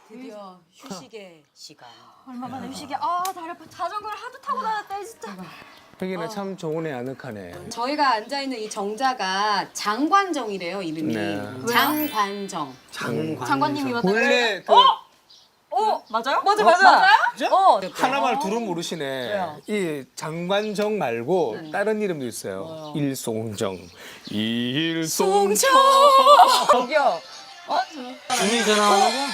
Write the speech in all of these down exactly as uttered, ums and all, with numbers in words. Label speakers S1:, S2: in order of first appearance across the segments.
S1: 드디어 휴식의 시간.
S2: 얼마만에 휴식이야. 아 다리 아파. 자전거를 하도 타고 다녔다 진짜.
S3: 혜기는 참 좋은 애 아늑하네.
S1: 저희가 앉아있는 이 정자가 장관정이래요, 이름이.
S3: 네.
S1: 장관정.
S3: 장관.
S2: 장관님이 왔다.
S3: 원래 그
S2: 어 맞아요?
S1: 맞아, 맞아. 맞아요? 어.
S3: 하나만 둘은 모르시네. 이 장관정 말고 다른 이름도 있어요. 일송정. 일송정.
S1: 저기요.
S3: 준이 전화 오는 거?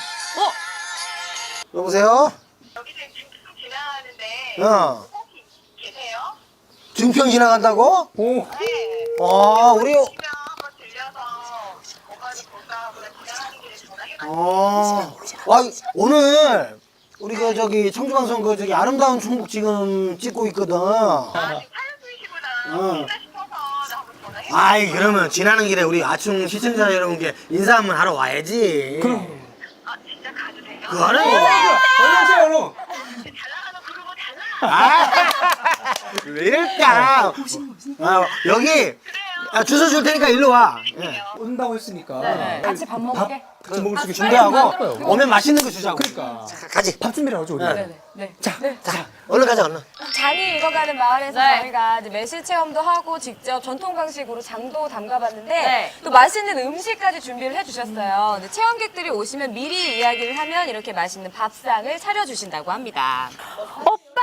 S4: 여보세요?
S5: 여기서 지금 지나가는데
S4: 어.
S5: 혹시 계세요?
S4: 증평 지나간다고?
S3: 오.
S5: 네.
S4: 아, 우리,
S5: 오시면 한번 들려서 오빠를 볼까 하고 지나가는 길에 전화해봤는데
S4: 어. 아, 오늘, 우리 그, 저기, 청주방송 그, 저기, 아름다운 충북 지금 찍고 있거든.
S5: 아, 지금 사연 중이시구나.
S4: 어.
S5: 혹시나 싶어서 나 한번 전화해봤는데
S4: 아이, 그러면 지나는 길에 우리 아충 시청자 여러분께 인사 한번 하러 와야지. 그럼.
S5: 아, 진짜 가도 돼요?
S4: 그거는.
S3: 얼른 오세요, 얼른.
S5: 잘 나가는 그룹은 달라.
S4: 아, 왜 이럴까? 아, 여기, 아, 주소 줄 테니까 일로 와. 예.
S3: 온다고 했으니까.
S2: 같이 밥 먹게.
S3: 같이 먹을 수 있게
S4: 준비하고, 오면 맛있는 거 주자고.
S3: 그러니까.
S4: 자, 가지.
S3: 밥 준비를 하죠, 우리.
S4: 네.
S1: 네.
S4: 자, 자, 얼른 가자, 얼른.
S2: 장이 익어가는 마을에서
S1: 네.
S2: 저희가 이제 매실 체험도 하고 직접 전통 방식으로 장도 담가봤는데
S1: 네.
S2: 또 맛있는 음식까지 준비를 해주셨어요. 근데 체험객들이 오시면 미리 이야기를 하면 이렇게 맛있는 밥상을 차려주신다고 합니다. 오빠!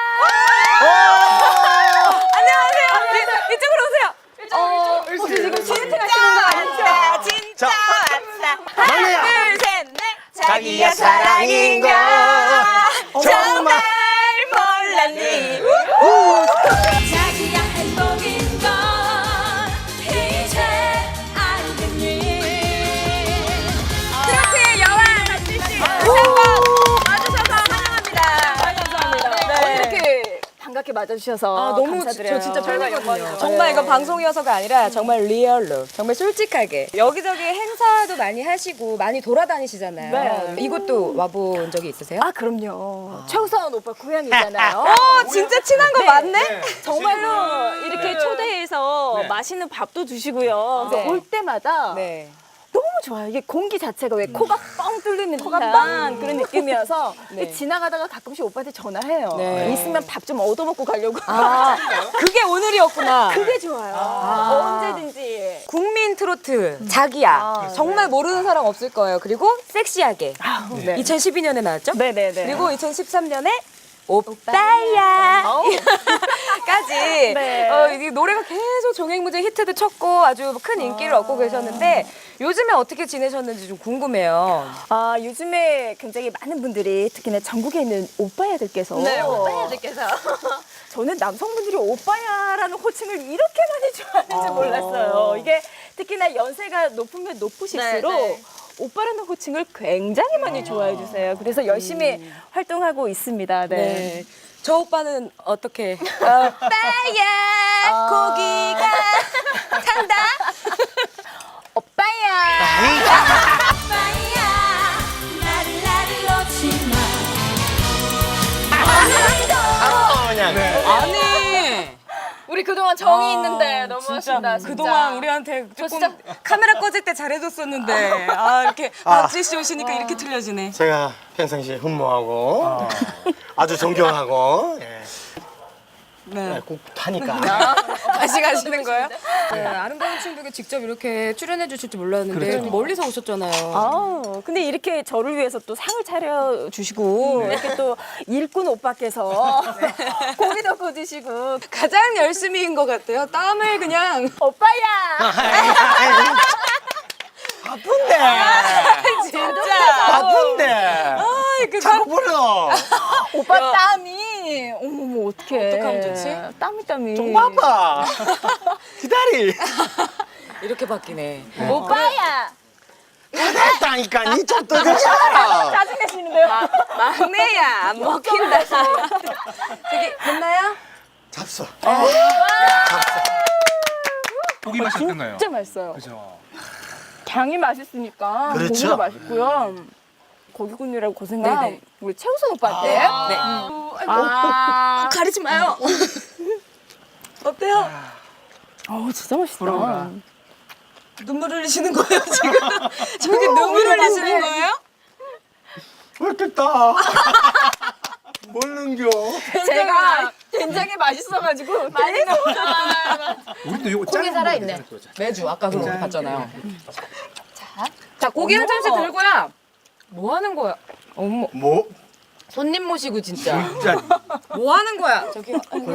S2: 안녕하세요. 이- 이쪽으로 오세요. 어, 혹시 지금 소개팅 하시는 거 아니죠?
S4: 자,
S2: 하나,
S4: 막내야.
S2: 둘, 셋, 넷.
S4: 자기야 사랑인가 정말
S2: 몰랐니? 자기야 행복인 건 이제 알겠니? 트로트의 여왕 박지 씨 와주셔서 환영합니다. 감사합니다. 네. 이렇게 반갑게 맞아주셔서
S1: 아, 너무
S2: 감사드려요.
S1: 저 진짜 팬이거든요.
S2: 정말 이거 방송이어서가 아니라 정말 리얼로 정말 솔직하게 여기저기 행사도 많이 하시고 많이 돌아다니시잖아요.
S1: 네.
S2: 이곳도 와본 적이 있으세요?
S6: 아 그럼요. 최우선 오빠 고향이잖아요.
S2: 어, 진짜 친한 거 맞네?
S6: 정말로 이렇게
S2: 네.
S6: 초대해서
S3: 네.
S6: 맛있는 밥도 주시고요. 그래서
S2: 네.
S6: 올 때마다
S2: 네.
S6: 너무 좋아요. 이게 공기 자체가 왜 코가 뻥 뚫리는
S2: 코가
S6: 듯한
S2: 뻥.
S6: 그런 느낌이어서
S2: 네.
S6: 지나가다가 가끔씩 오빠한테 전화해요.
S2: 네.
S6: 있으면 밥 좀 얻어먹고 가려고.
S2: 아, 그게 오늘이었구나.
S6: 그게 좋아요.
S2: 아.
S6: 언제든지.
S2: 국민 트로트 자기야.
S6: 아,
S2: 정말 모르는 사람 없을 거예요. 그리고 섹시하게.
S6: 네.
S2: 이천십이 년에 나왔죠?
S6: 네네네.
S2: 그리고 이천십삼 년에 오빠야 까지
S6: 네.
S2: 어, 이 노래가 계속 종횡무진 히트도 쳤고 아주 큰 인기를 얻고 계셨는데 요즘에 어떻게 지내셨는지 좀 궁금해요.
S6: 아 요즘에 굉장히 많은 분들이 특히나 전국에 있는 오빠야들께서
S2: 네,
S6: 오빠야들께서 저는 남성분들이 오빠야라는 호칭을 이렇게 많이 좋아하는지 몰랐어요. 이게 특히나 연세가 높으면 높으실수록
S2: 네, 네.
S6: 오빠라는 호칭을 굉장히 많이 좋아해 주세요. 그래서 열심히 활동하고 있습니다. 네.
S2: 네. 저 오빠는 어떻게? 오빠야 고기가 탄다.
S6: 오빠야.
S2: 오빠야 나를 나를 놓지 마. 아니
S6: 우리 그동안 정이 있는데 너무하신다. 진짜.
S1: 그동안 우리한테
S6: 저
S1: 조금
S6: 진짜-
S1: 카메라 꺼질 때 잘해줬었는데 아 이렇게 박지 씨 오시니까 이렇게 틀려지네.
S4: 제가 평상시에 흠모하고 아주 존경하고 예.
S1: 네.
S4: 꼭 하니까
S1: 다시 가시는 거예요? 네, 아름다운 충북에 직접 이렇게 출연해 주실 줄 몰랐는데 좀 멀리서 오셨잖아요.
S6: 아, 근데 이렇게 저를 위해서 또 상을 차려주시고, 이렇게 또 일꾼 오빠께서 고기도 구워주시고,
S1: 가장 열심히인 것 같아요. 땀을 그냥
S6: 오빠야!
S4: 바쁜데
S1: 진짜.
S4: 바쁜데
S1: 아이 그
S4: 자꾸 불러
S6: 오빠 땀이, 어머머, 어떡해.
S1: 어떡하면 좋지?
S6: 땀이 땀이.
S4: 좀 바빠 기다리
S1: 이렇게 바뀌네.
S6: 오빠야!
S4: 됐다니까 니 좀 떠들잖아
S6: 짜증내시는데요?
S1: 막내야 안 먹힌다. 저기 됐나요?
S4: 잡숴
S3: 고기 맛이 어떤가요?
S6: 진짜 맛있어요.
S3: 그죠.
S6: 장이 맛있으니까
S4: 그렇죠.
S6: 고기도 맛있고요. 고기 굽느라고 고생한
S1: 네네.
S6: 우리 최우선 오빠한테.
S1: 네.
S6: 아,
S1: 가리지 마요. 어때요?
S6: 어우, 진짜 맛있다.
S3: 부러워라.
S1: 눈물 흘리시는 거예요 지금? 저기 눈물 흘리시는 거예요?
S4: 못했다. 뭘 넘겨?
S6: 제가 된장이 맛있어가지고 계속
S3: 우리도 이거
S1: 콩이 살아있네. 매주 아까 그거 봤잖아요. 자 고기 한 점씩 들고요. 뭐 하는 거야? 어머
S4: 뭐?
S1: 손님 모시고 진짜.
S4: 진짜.
S1: 뭐 하는 거야? 저기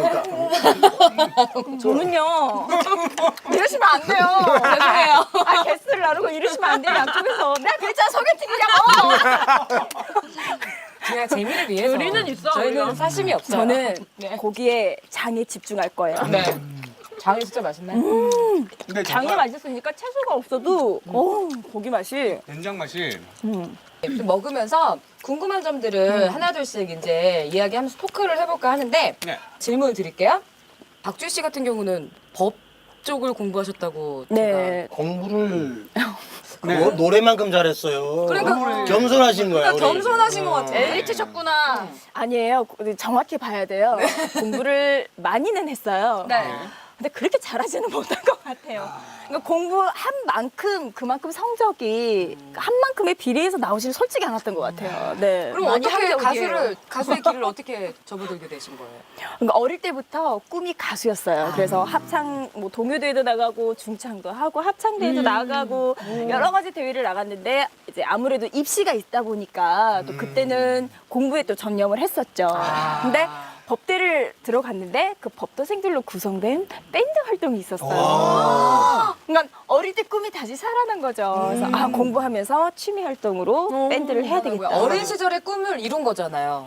S6: 저는요 이러시면 안 돼요. 죄송해요. 아 게스트를 나르고 이러시면 안 돼요. 양쪽에서 내가 그랬잖아 소개팅이냐고.
S1: 그냥 재미를 위해서.
S6: 우리는 있어,
S1: 저희는
S6: 우리가.
S1: 사심이 없어요.
S6: 저는
S1: 네.
S6: 고기에 장에 집중할 거예요.
S1: 네. 장이 진짜 맛있나요?
S3: 근데
S6: 장이
S3: 정말
S6: 맛있으니까 채소가 없어도 어 고기 맛이
S3: 된장 맛이
S1: 좀 먹으면서 궁금한 점들을 하나둘씩 이제 이야기하면서 토크를 해볼까 하는데
S3: 네.
S1: 질문을 드릴게요. 박주희 씨 같은 경우는 법 쪽을 공부하셨다고
S6: 네.
S4: 공부를
S3: 네.
S4: 뭐, 노래만큼 잘했어요.
S1: 그러니까
S4: 겸손하신 거야.
S1: 제가 겸손하신 것 같아요.
S6: 엘리트셨구나. 아니에요. 정확히 봐야 돼요. 공부를 많이는 했어요.
S1: 네.
S6: 근데 그렇게 잘하지는 못한 것 같아요. 그러니까 공부한 만큼 그만큼 성적이 한 만큼의 비례해서 나오지는 솔직히 않았던 것 같아요. 네.
S1: 그럼
S6: 많이
S1: 어떻게
S6: 합격이에요.
S1: 가수를 가수의 길을 어떻게 접어들게 되신 거예요?
S6: 그러니까 어릴 때부터 꿈이 가수였어요. 그래서 합창, 뭐 동요대회도 나가고 중창도 하고 합창대회도 나가고 여러 가지 대회를 나갔는데 이제 아무래도 입시가 있다 보니까 또 그때는 공부에 또 전념을 했었죠. 근데 법대를 들어갔는데 그 법도생들로 구성된 밴드 활동이 있었어요. 그러니까 어릴 때 꿈이 다시 살아난 거죠. 그래서 아 공부하면서 취미 활동으로 밴드를 해야 되겠다.
S1: 어린 시절의 꿈을 이룬 거잖아요.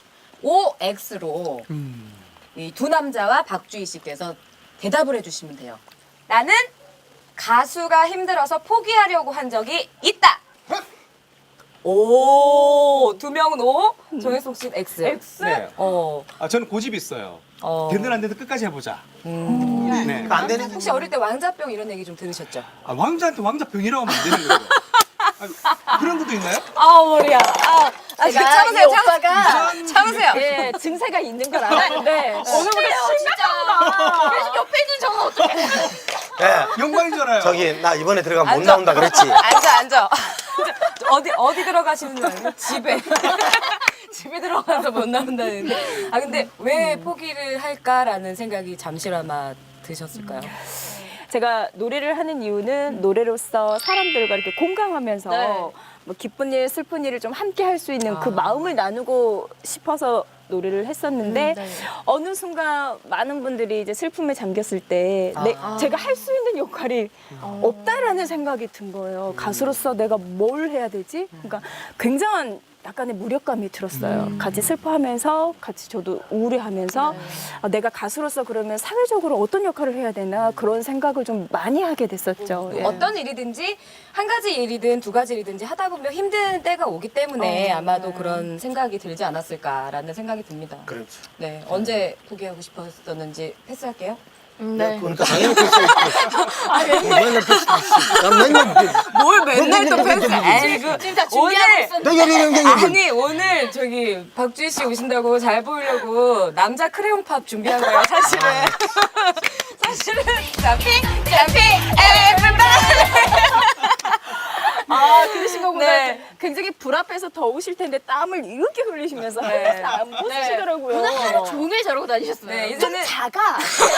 S1: 오엑스로 이 두 남자와 박주희 씨께서 대답을 해주시면 돼요. 나는 가수가 힘들어서 포기하려고 한 적이 있다. 오, 두 명은 O, 정혜성 씨는 X.
S6: X?
S3: 네.
S1: 어,
S3: 아 저는 고집이 있어요.
S1: 어.
S3: 되든 안 되든 끝까지 해보자.
S1: 음.
S3: 네.
S4: 안 되는
S1: 혹시 어릴 때 왕자병 이런 얘기 좀 들으셨죠?
S3: 아, 왕자한테 왕자 병이라고 하면 안 되는 거예요. 아, 그런 것도 있나요?
S1: 아 머리야. 아, 아
S6: 제가
S1: 참으세요,
S6: 이 오빠가
S1: 참으세요.
S6: 예, 증세가 있는 걸 알았는데 오늘부터 심각하구나. 계속 옆에 있는 저는 어떻게
S4: 예.
S3: 영광이잖아요.
S4: 저기 나 이번에 들어가면 못
S1: 앉아.
S4: 나온다 그랬지.
S1: 앉아, 앉아. 어디 어디 들어가시는 줄 알아요? 집에. 집에 들어가서 못 나온다는데. 아 근데 왜 포기를 할까라는 생각이 잠시나마 드셨을까요?
S6: 제가 노래를 하는 이유는 노래로서 사람들과 이렇게 공감하면서
S1: 네.
S6: 뭐 기쁜 일, 슬픈 일을 좀 함께 할 수 있는 그
S1: 아.
S6: 마음을 나누고 싶어서 노래를 했었는데
S1: 음, 네.
S6: 어느 순간 많은 분들이 이제 슬픔에 잠겼을 때 내,
S1: 아.
S6: 제가 할 수 있는 역할이 없다라는 생각이 든 거예요. 가수로서 내가 뭘 해야 되지? 그러니까 굉장한 약간의 무력감이 들었어요. 같이 슬퍼하면서 같이 저도 우울해하면서 아, 내가 가수로서 그러면 사회적으로 어떤 역할을 해야 되나 그런 생각을 좀 많이 하게 됐었죠. 예.
S1: 어떤 일이든지 한 가지 일이든 두 가지 일이든지 하다 보면 힘든 때가 오기 때문에 아마도 그런 생각이 들지 않았을까라는 생각이 듭니다.
S4: 그렇죠.
S1: 네, 언제 포기하고 싶었었는지 패스할게요.
S6: 네.
S4: 그러니까 당연히 패스했지. 맨날 패스했지. 난 맨날
S1: 뭘
S4: 맨날 또 패스?
S1: 아이고
S6: 지금 다 준비하고 있었는데
S4: 내가 내가 내가
S1: 아니 오늘 저기 박주희 씨 오신다고 잘 보이려고 남자 크레용 팝 준비한 거예요 사실은. 사실은 점핑 점핑 에브리바디.
S6: 아 들으신 거보다
S1: 네.
S6: 굉장히 불 앞에서 더우실 텐데 땀을 이렇게 흘리시면서
S1: 네.
S6: 안 벗으시더라고요.
S1: 오늘 하루
S6: 종일 저러고 다니셨어요.
S1: 네,
S6: 좀
S1: 이제는-
S6: 작아.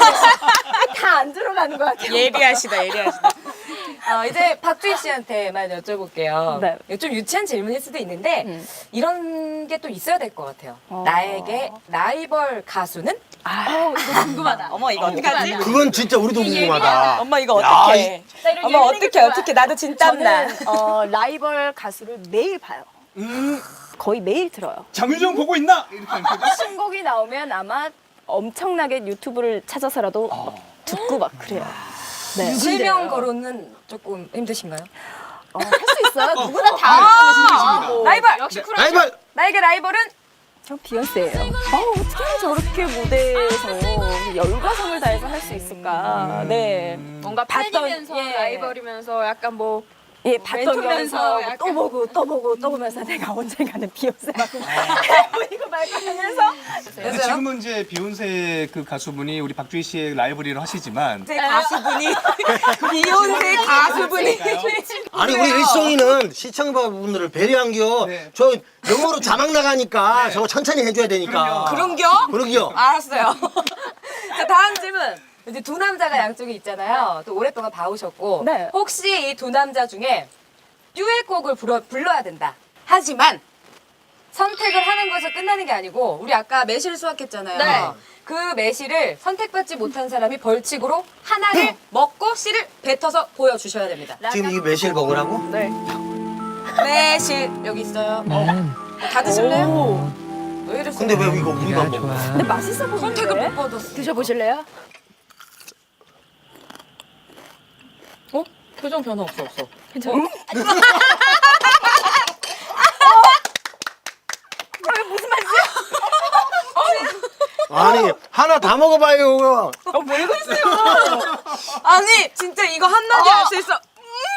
S6: 다 안 들어가는 것 같아요.
S1: 예리하시다 예리하시다. 어, 이제 박주희 씨한테만 여쭤볼게요.
S6: 네.
S1: 좀 유치한 질문일 수도 있는데
S6: 음.
S1: 이런 게 또 있어야 될 것 같아요.
S6: 어.
S1: 나에게 라이벌 가수는?
S6: 아, 이거 궁금하다.
S1: 어머 이거 어떡하지?
S4: 그건 진짜 우리도 궁금하다.
S1: 엄마 이거
S4: 야,
S1: 어떡해? 어머 어떡해 어떡해 나도 진땀나.
S6: 저는 어, 라이벌 가수를 매일 봐요.
S3: 음,
S6: 거의 매일 들어요.
S3: 장유정 보고 있나? 이렇게 하는 거죠?
S6: 신곡이 나오면 아마 엄청나게 유튜브를 찾아서라도 막 듣고 막 그래요. 네.
S1: 실명 거론은 조금 힘드신가요?
S6: 어, 할 수 있어요. 누구나 다
S1: 아,
S6: 할 수 있습니다.
S1: 라이벌
S6: 역시
S1: 네.
S4: 라이벌.
S1: 나에게 라이벌은
S6: 저 비욘세예요. 아, 어떻게 저렇게 무대에서 열과성을 다해서 할 수 있을까. 네.
S7: 뭔가
S6: 봤던,
S7: 팬이면서
S6: 예.
S7: 라이벌이면서 약간 뭐
S6: 예, 봤던
S2: 멘토면서
S6: 거면서
S2: 약간.
S6: 또 보고 또 보고 또 보면서 내가 언젠가는 비욘세만큼 보이고 말고 하면서
S3: 근데 지금은 이제 비욘세 그 가수분이 우리 박주희 씨의 라이브리로 하시지만
S1: 제 가수분이 비욘세 가수분이
S4: 아니 우리 일송이는 시청자분들을 배려한겨.
S3: 네.
S4: 저 영어로 자막 나가니까 저거 천천히 해줘야 되니까.
S1: 그런겨?
S4: 그러기요.
S1: 알았어요. 자, 다음 질문. 이제 두 남자가 양쪽에 있잖아요. 또 오랫동안 봐오셨고.
S6: 네.
S1: 혹시 이 두 남자 중에 듀엣곡을 불러, 불러야 된다. 하지만 선택을 하는 것에서 끝나는 게 아니고 우리 아까 매실 수확했잖아요.
S2: 네.
S1: 그 매실을 선택받지 못한 사람이 벌칙으로 하나를 먹고 씨를 뱉어서 보여주셔야 됩니다.
S4: 지금 이 매실 먹으라고?
S6: 네.
S1: 매실 여기 있어요. 어. 다 드실래요? 왜 이랬어요?
S4: 근데 왜 이거 우리만 먹어?
S6: 근데 맛있어 보이는데?
S1: 선택을 못 받았어.
S6: 드셔보실래요?
S1: 어? 표정 변화 없어 없어.
S6: 괜찮아? 무슨 맛이야?
S4: 아니 하나 다 먹어봐요.
S6: 어, 뭐 이거였어요?
S1: 아니 진짜 이거 한마디 할 수 있어.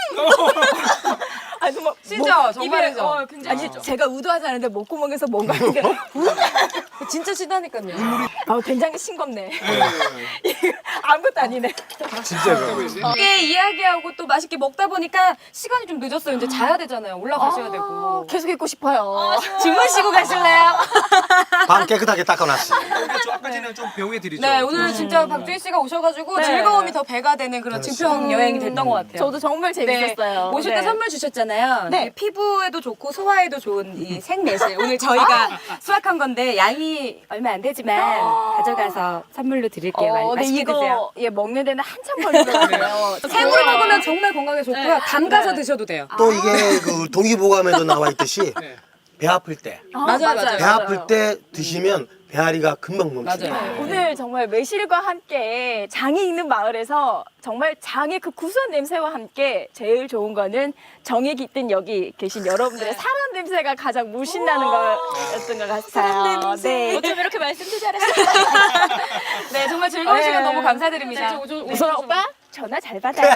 S6: 아니, 뭐,
S1: 진짜
S6: 뭐,
S1: 정말이죠.
S6: 입에, 어, 아니 제가 의도하지 않은데 목구멍에서 뭔가 이게
S1: 진짜 신나니까요.
S6: 아, 굉장히 싱겁네. 이거 아무것도 아니네.
S1: 함께 이야기하고 또 맛있게 먹다 보니까 시간이 좀 늦었어요. 이제 자야 되잖아요. 올라가셔야 되고.
S6: 계속 있고 싶어요.
S1: 주무시고 가실래요?
S4: 방 깨끗하게 닦아놨어.
S3: 좀 아까 전에 좀 배웅해 드리죠.
S1: 네, 오늘 진짜 박주희 씨가 오셔가지고
S6: 네.
S1: 즐거움이 더 배가 되는 그런 증평 여행이 됐던 것 같아요.
S6: 저도 정말 재밌었어요.
S1: 모실 때
S6: 네.
S1: 선물 주셨잖아요.
S6: 네.
S1: 이 피부에도 좋고 소화에도 좋은 이 생매실. 오늘 저희가 수확한 건데 양이 얼마 안 되지만 가져가서 선물로 드릴게요. 많이
S6: 어, 근데
S1: 맛있게 드세요.
S6: 이거 예, 먹는 데는 한참 걸리더라고요.
S1: 생으로 먹으면 정말 건강에 좋고요. 담가서
S6: 네.
S1: 드셔도 돼요.
S4: 또 이게 그 동의보감에도 나와 있듯이 배 아플 때,
S6: 아,
S1: 맞아요, 맞아요.
S4: 배 아플 때 드시면 배앓이가 금방 멈춘다.
S1: 맞아요.
S6: 오늘 정말 매실과 함께 장이 있는 마을에서 정말 장의 그 구수한 냄새와 함께 제일 좋은 거는 정이 깃든 여기 계신 여러분들의 사람 냄새가 가장 물씬 나는 거였던 것 같아요. 네.
S2: 어쩜 이렇게 말씀도 잘하세요?
S1: 네, 정말 즐거운
S6: 네.
S1: 시간 너무 감사드립니다.
S6: 우선 오빠 전화 잘 받아요.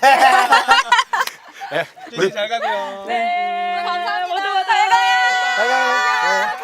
S3: 주희 씨잘 가고요.
S6: 네.
S2: 감사합니다.
S6: 모두 잘 가요.
S4: 잘 가요. 네.